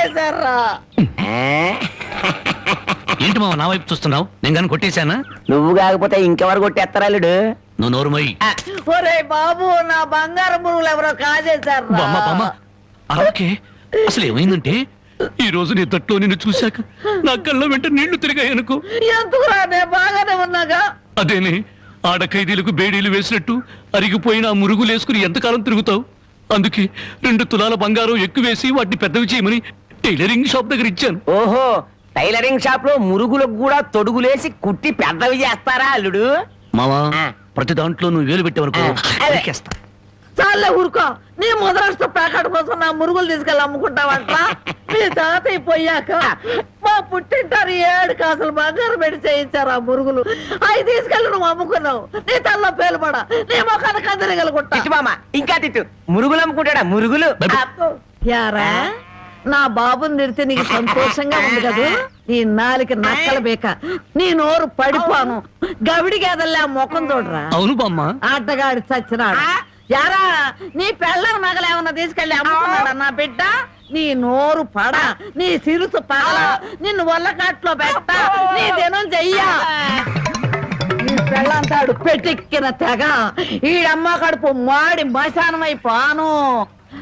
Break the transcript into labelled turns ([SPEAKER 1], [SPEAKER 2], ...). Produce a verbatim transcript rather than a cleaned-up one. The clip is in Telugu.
[SPEAKER 1] కాజేశారా?
[SPEAKER 2] ఏంటి మావ నా వైపు చూస్తున్నావు? నేను కానీ కొట్టేశానా?
[SPEAKER 3] నువ్వు కాకపోతే ఇంకెవరు కొట్టేస్తారా అల్లుడు?
[SPEAKER 2] నువ్వు నోరు మొయ్యి.
[SPEAKER 1] ఒరే బాబు, నా బంగారు మురుగులు ఎవరో కాజేశారా?
[SPEAKER 2] అలాగే అసలు ఏమైందంటే ఈ రోజు నీ తట్లో నిన్ను చూశాక నా కళ్ళ వెంట నీళ్లు తిరిగాయనుకో.
[SPEAKER 1] ఎందుకురా, నేను బాగానే ఉన్నాగా.
[SPEAKER 2] అదేనే, ఆడ ఖైదీలకు బేడీలు వేసినట్టు అరిగిపోయిన ఆ మురుగులు వేసుకుని ఎంతకాలం తిరుగుతావు? అందుకే రెండు తులాల బంగారం ఎక్కువేసి వాటిని పెద్దవి చేయమని టైలరింగ్ షాప్ దగ్గర ఇచ్చాను.
[SPEAKER 3] ఓహో, టైలరింగ్ షాప్ లో మురుగులకు కూడా తొడుగులేసి కుట్టి పెద్దవి చేస్తారా అల్లుడు?
[SPEAKER 2] మావా, ప్రతి దాంట్లో నువ్వు వేలు పెట్టేవనుకో అరికేస్తా.
[SPEAKER 1] చాలే ఊరుకో. నీ మొదలష్ట ప్యాకెట్ కోసం నా మురుగులు తీసుకెళ్ళి అమ్ముకుంటావంట. మీ తాతయ్య పోయాక మా పుట్టింటారు ఏడు కాసులు బంగారం పెట్టి చేయించారు ఆ మురుగులు. అవి తీసుకెళ్ళి నువ్వు అమ్ముకున్నావు. నీ తల్లో పేలుపడ, నీ మొఖాన్ని కందరగలుగుంటా.
[SPEAKER 3] మామ ఇంకా తిట్టు. మురుగులు అమ్ముకుంటాడా? మురుగులు
[SPEAKER 1] యారా, నా బాబుని నిడితే నీకు సంతోషంగా ఉంది కదా? నీ నాలికి నక్కల బేక, నీ నోరు పడిపోను. గవిడి గేదల్లా ముఖం చూడరా.
[SPEAKER 2] అవును బామ్మ.
[SPEAKER 1] ఆటగాడి చచ్చినాడు. యారా, నీ పెళ్ళం నగలేమన్నా తీసుకెళ్ళి అమ్ముకున్నాడా నా బిడ్డ? నీ నోరు పడ, నీ సిరుసు పగల, నిన్ను వల్లకాట్లో పెట్ట, నీ దినం చెయ్యా. నీ పెళ్ళంతాడు పెట్టెక్కిన తెగ, ఈడమ్మ కడుపు మాడి మశానమైపోను.